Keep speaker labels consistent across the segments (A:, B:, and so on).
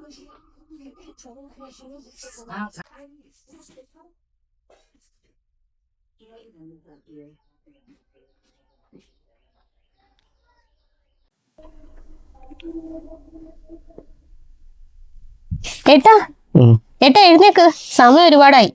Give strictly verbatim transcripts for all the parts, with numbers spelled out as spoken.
A: ഏട്ടാ ഏട്ടാ എഴുന്നേക്ക്, സമയം ഒരുപാടായി.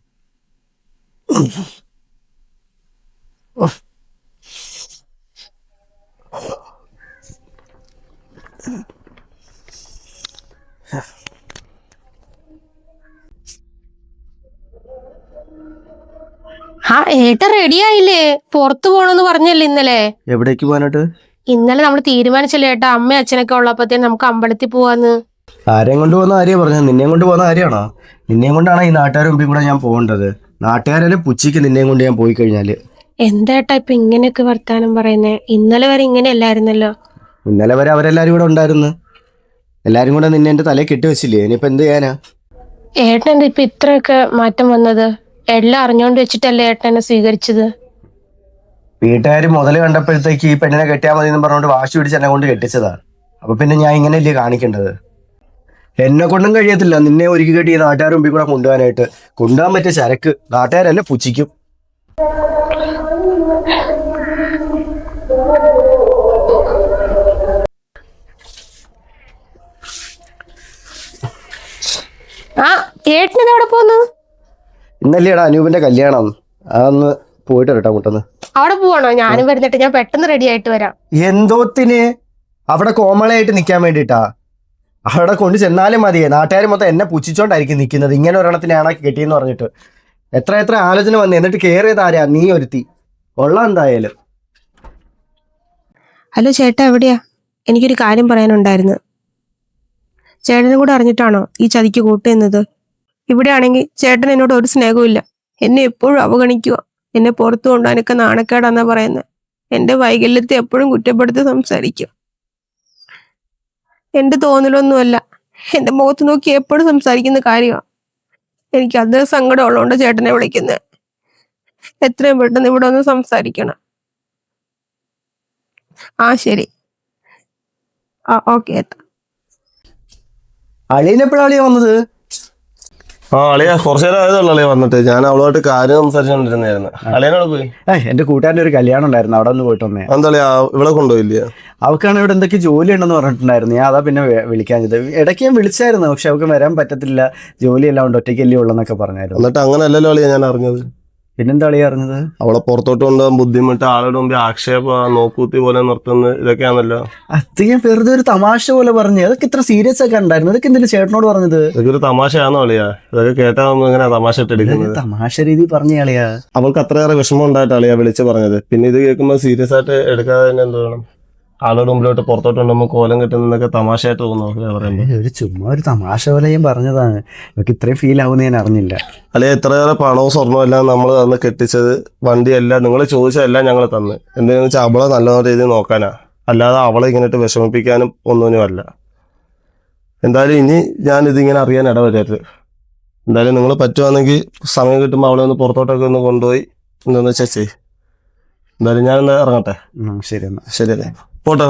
A: ആ ഏട്ട റെഡി ആയില്ലേ? പുറത്തു പോണെന്ന് പറഞ്ഞല്ലേ ഇന്നലെ?
B: എവിടേക്ക് പോകാനായിട്ട്?
A: ഇന്നലെ നമ്മൾ തീരുമാനിച്ചല്ലേ ഏട്ടാ, അമ്മയും അച്ഛനൊക്കെ ഉള്ളപ്പോഴത്തേന് നമുക്ക് അമ്പലത്തിൽ പോവാന്ന്.
B: ആരെയും കൊണ്ട് പോകുന്ന കാര്യം പറഞ്ഞത്? നിന്നെയും കൊണ്ട് പോകുന്ന കാര്യമാണോ? നിന്നെയും കൊണ്ടാണ് ഈ നാട്ടുകാരുടെ മുമ്പിൽ കൂടെ ഞാൻ പോകേണ്ടത്. നാട്ടുകാരെ പുച്ചിക്ക് നിന്നെയും കൊണ്ട് ഞാൻ പോയി കഴിഞ്ഞാല്.
A: എന്താ ഇപ്പൊ ഇങ്ങനെയൊക്കെ വർത്താനം പറയുന്നേ? ഇന്നലെ വരെ ഇങ്ങനെ അല്ലായിരുന്നല്ലോ.
B: ഇന്നലെ വരെ അവരെല്ലാരും കൂടെ ഉണ്ടായിരുന്നു. എല്ലാരും കൂടെ നിന്നെ എന്റെ തലയിൽ കെട്ടിവെച്ചില്ലേ? ഇനിയിപ്പോ എന്ത് ചെയ്യാനാ?
A: ഏട്ടൻ എന്താ ഇപ്പൊ ഇത്രയൊക്കെ മാറ്റം വന്നത്? എല്ലാം അറിഞ്ഞോണ്ട് വെച്ചിട്ടല്ലേ ഏട്ടൻ എന്നെ സ്വീകരിച്ചത്?
B: വീട്ടുകാർ മുതല് കണ്ടപ്പോഴത്തേക്ക് ഈ പെണ്ണിനെ കെട്ടിയാൽ മതി എന്ന് പറഞ്ഞുകൊണ്ട് വാശി പിടിച്ച് എന്നെ കൊണ്ട് കെട്ടിച്ചതാ. അപ്പൊ പിന്നെ ഞാൻ ഇങ്ങനെയല്ലേ കാണിക്കേണ്ടത്? എന്നെ കൊണ്ടും കഴിയത്തില്ല നിന്നെ ഒരുക്കി കെട്ടി ഈ നാട്ടുകാരുടെ മുമ്പിൽ കൂടെ കൊണ്ടുപോകാനായിട്ട്. കൊണ്ടുപോകാൻ പറ്റിയ ചരക്ക് നാട്ടുകാരെന്നെ പുച്ഛിക്കും.
A: ആ ഏട്ടനെന്താ അവിടെ പോന്നു?
B: ഇന്നല്ലേടാ അനൂപിന്റെ കല്യാണം, അതൊന്ന് പോയിട്ട് വരട്ടെ മുട്ടെന്ന്.
A: അവിടെ പോവാണോ? ഞാനും വരുന്നിട്ട്, ഞാൻ പെട്ടെന്ന് റെഡി ആയിട്ട് വരാം.
B: എന്തോത്തിന്? അവിടെ കോമളയായിട്ട് നിൽക്കാൻ വേണ്ടിട്ടാ. അവിടെ കൊണ്ട് ചെന്നാലും മതിയേ, നാട്ടുകാർ മൊത്തം എന്നെ പുച്ഛിച്ചോണ്ടായിരിക്കും നിൽക്കുന്നത്. ഇങ്ങനെ ഒരെണ്ണത്തിനാണ് കെട്ടിയെന്ന് പറഞ്ഞിട്ട് എത്ര എത്ര ആലോചന വന്നു. എന്നിട്ട് കയറിയത് ആരാ? നീ ഒരുത്തി. കൊള്ളാം എന്തായാലും.
A: ഹലോ ചേട്ടാ, എവിടെയാ? എനിക്കൊരു കാര്യം പറയാനുണ്ടായിരുന്നു. ചേട്ടനും കൂടെ അറിഞ്ഞിട്ടാണോ ഈ ചതിക്ക് കൂട്ടുന്നത്? ഇവിടെ ആണെങ്കിൽ ചേട്ടൻ എന്നോട് ഒരു സ്നേഹവും ഇല്ല. എന്നെ എപ്പോഴും അവഗണിക്കുക. എന്നെ പുറത്തു കൊണ്ടുപോകാനൊക്കെ നാണക്കേടാന്നാ പറയുന്നത്. എന്റെ വൈകല്യത്തെ എപ്പോഴും കുറ്റപ്പെടുത്തി സംസാരിക്കും. എന്റെ തോന്നലൊന്നുമല്ല, എന്റെ മുഖത്ത് നോക്കി എപ്പോഴും സംസാരിക്കുന്ന കാര്യമാണ്. എനിക്ക് അതേ സങ്കടം ഉള്ളതുകൊണ്ട് ചേട്ടനെ വിളിക്കുന്നത്. എത്രയും പെട്ടെന്ന് ഇവിടെ ഒന്ന് സംസാരിക്കണം. ആ ശരി, ആ ഓക്കെ ഏട്ടാ.
B: അളിയനെപ്പോഴാ അളിയ വന്നത്?
C: ആ അളിയ കുറച്ചു നേരം ആയതുള്ളൂ അളിയ വന്നിട്ട്. ഞാൻ അവളുമായിട്ട് കാര്യം സംസാരിച്ചോണ്ടിരുന്നായിരുന്നു. അളിയനോട് പോയി?
B: ഏഹ് എന്റെ കൂട്ടുകാരൻ്റെ ഒരു കല്യാണം ഉണ്ടായിരുന്നു, അവിടെ ഒന്ന് പോയിട്ട് വന്നേ.
C: എന്താ അളിയ ഇവിടെ കൊണ്ടുപോയില്ല?
B: അവക്കാണ് ഇവിടെ എന്തൊക്കെ ജോലി ഉണ്ടെന്ന് പറഞ്ഞിട്ടുണ്ടായിരുന്നു. ഞാൻ അതാ പിന്നെ വിളിക്കാഞ്ഞത്. ഇടയ്ക്ക് ഞാൻ വിളിച്ചായിരുന്നു, പക്ഷെ അവൾക്ക് വരാൻ പറ്റത്തില്ല, ജോലിയെല്ലാം ഉണ്ട്, ഒറ്റയ്ക്കല്ലേ ഉള്ളെന്നൊക്കെ പറഞ്ഞായിരുന്നു.
C: എന്നിട്ട് അങ്ങനെ അല്ലല്ലോ അളിയ ഞാൻ അറിഞ്ഞത്.
B: പിന്നെന്താ അളിയ അറിഞ്ഞത്?
C: അവളെ പുറത്തോട്ട് കൊണ്ടുപോകാൻ ബുദ്ധിമുട്ട്, ആളുടെ മുമ്പിൽ ആക്ഷേപ, നോക്കൂത്തി പോലെ നിർത്തുന്നത്, ഇതൊക്കെയാണല്ലോ.
B: അത് ഞാൻ വെറുതെ ഒരു തമാശ പോലെ പറഞ്ഞു. അതൊക്കെ ഇത്ര സീരിയസ് ഒക്കെ ഉണ്ടായിരുന്നു. ഇതൊക്കെ എന്തിനാ ചേട്ടനോട് പറഞ്ഞത്?
C: ഇതൊക്കെ ഒരു തമാശയാണോ അളിയ? ഇതൊക്കെ കേട്ടാ എങ്ങനെ തമാശ ഇട്ടെടുക്കുന്നത്?
B: തമാശ രീതി പറഞ്ഞ അളിയാ.
C: അവൾക്ക് അത്രയേറെ വിഷമം ഉണ്ടായിട്ട് അളിയ വിളിച്ച് പറഞ്ഞത്. പിന്നെ ഇത് കേൾക്കുമ്പോൾ സീരിയസ് ആയിട്ട് എടുക്കാതെ തന്നെ എന്ത് വേണം? ആളുടെ മുമ്പിലോട്ട് പുറത്തോട്ട് കൊണ്ടുമ്പോൾ കോലം കിട്ടുന്നതൊക്കെ തമാശയായിട്ട് തോന്നുന്നു പറയുമ്പോൾ.
B: ഒരു ചുമ്മാ ഒരു തമാശ പോലെ ഞാൻ പറഞ്ഞതാണ്. എനിക്ക് ഇത്രയും ഫീൽ ആവുമെന്ന് ഞാൻ അറിഞ്ഞില്ല.
C: അല്ലെ എത്രയേറെ പണവും സ്വർണ്ണവും എല്ലാം നമ്മൾ തന്ന് കെട്ടിച്ചത്, വണ്ടിയെല്ലാം നിങ്ങൾ ചോദിച്ചതെല്ലാം ഞങ്ങൾ തന്ന്. എന്തിനാന്ന് വെച്ചാൽ അവളെ നല്ല രീതിയിൽ നോക്കാനാ, അല്ലാതെ അവളെ ഇങ്ങനെയിട്ട് വിഷമിപ്പിക്കാനും ഒന്നിനും അല്ല. എന്തായാലും ഇനി ഞാൻ ഇതിങ്ങനെ അറിയാൻ ഇടവരരുത്. എന്തായാലും നിങ്ങൾ പറ്റുവാണെങ്കിൽ സമയം കിട്ടുമ്പോൾ അവളെ ഒന്ന് പുറത്തോട്ടൊക്കെ ഒന്ന് കൊണ്ടുപോയി എന്താണെന്ന് വെച്ചാൽ ചെയ്. എന്തായാലും ഞാൻ എന്താ ഇറങ്ങട്ടെ?
B: ശരി എന്നാ.
C: ശരിയല്ലേ, പോട്ടെ.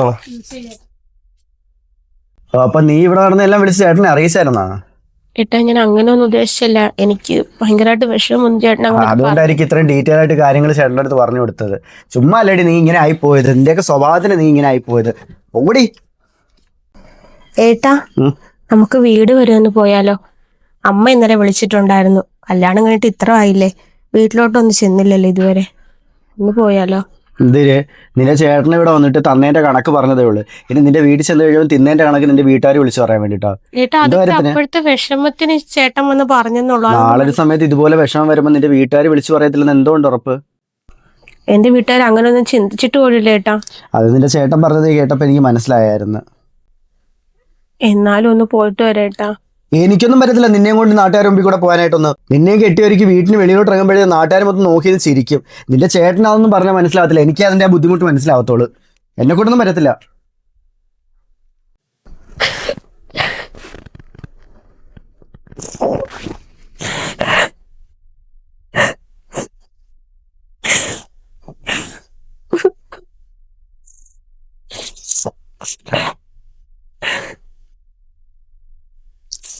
B: അപ്പൊ നീ ഇവിടെ നടന്ന് എല്ലാം വിളിച്ച് ചേട്ടനെ അറിയിച്ചായിരുന്നാ?
A: ഏട്ടാ ഞാൻ അങ്ങനെ ഒന്നും ഉദ്ദേശിച്ചില്ല. എനിക്ക് ഭയങ്കരമായിട്ട് വിഷമം ചേട്ടൻ.
B: അതുകൊണ്ടായിരിക്കും ഇത്രയും ഡീറ്റെയിൽ ആയിട്ട് കാര്യങ്ങൾ ചേട്ടൻ്റെ അടുത്ത് പറഞ്ഞു കൊടുത്തത്. ചുമ്മാ അല്ലേടി നീ ഇങ്ങനെ ആയിപ്പോയത്. നിന്റെയൊക്കെ സ്വഭാവത്തിന് നീ ഇങ്ങനെ ആയിപ്പോയത്. ഓടി.
A: ഏട്ടാ നമുക്ക് വീട് വരെ ഒന്ന് പോയാലോ? അമ്മ ഇന്നലെ വിളിച്ചിട്ടുണ്ടായിരുന്നു. കല്യാണം കഴിഞ്ഞിട്ട് ഇത്ര ആയില്ലേ, വീട്ടിലോട്ടൊന്നും ചെന്നില്ലല്ലോ ഇതുവരെ. ഒന്ന് പോയാലോ?
B: എന്തിര്? നിന്റെ ചേട്ടൻ ഇവിടെ വന്നിട്ട് തന്നേന്റെ കണക്ക് പറഞ്ഞതേ ഉള്ളൂ. ഇനി നിന്റെ വീട്ടിൽ ചെന്ന് കഴിയുമ്പോൾ തിന്നേന്റെ കണക്ക് നിന്റെ വീട്ടുകാർ വിളിച്ചു പറയാൻ വേണ്ടിട്ടാ.
A: അപ്പോഴത്തെ വിഷമത്തിന് ചേട്ടൻ വന്ന് പറഞ്ഞെന്നുള്ളൂ.
B: നാളെ ഒരു സമയത്ത് ഇതുപോലെ വിഷമം വരുമ്പോൾ നിന്റെ വീട്ടുകാർ വിളിച്ചു പറയത്തില്ലെന്ന് എന്തുകൊണ്ട് ഉറപ്പ്?
A: എന്റെ വീട്ടുകാർ അങ്ങനെ ഒന്നും ചിന്തിച്ചിട്ട് പോലില്ല ഏട്ടാ.
B: അത് നിന്റെ ചേട്ടൻ പറഞ്ഞത് കേട്ടപ്പോ എനിക്ക് മനസ്സിലായായിരുന്നു.
A: എന്നാലും ഒന്ന് പോയിട്ട് വരേട്ടാ.
B: എനിക്കൊന്നും പറ്റത്തില്ല നിന്നെയും കൊണ്ട് നാട്ടുകാർ മുമ്പിൽ കൂടെ പോകാനായിട്ടൊന്ന്. നിന്നെയും കെട്ടിയൊരുക്കി വീട്ടിന് വെളിയിലോട്ട് ഇറങ്ങുമ്പോഴേ നാട്ടുകാർ മൊത്തം നോക്കിയത് ചിരിക്കും. നിന്റെ ചേട്ടൻ അതൊന്നും പറഞ്ഞാൽ മനസ്സിലാവത്തില്ല. എനിക്ക് അതിന്റെ ആ ബുദ്ധിമുട്ട് മനസ്സിലാവത്തുള്ളൂ. എന്നെ കൊണ്ടൊന്നും പറ്റത്തില്ല.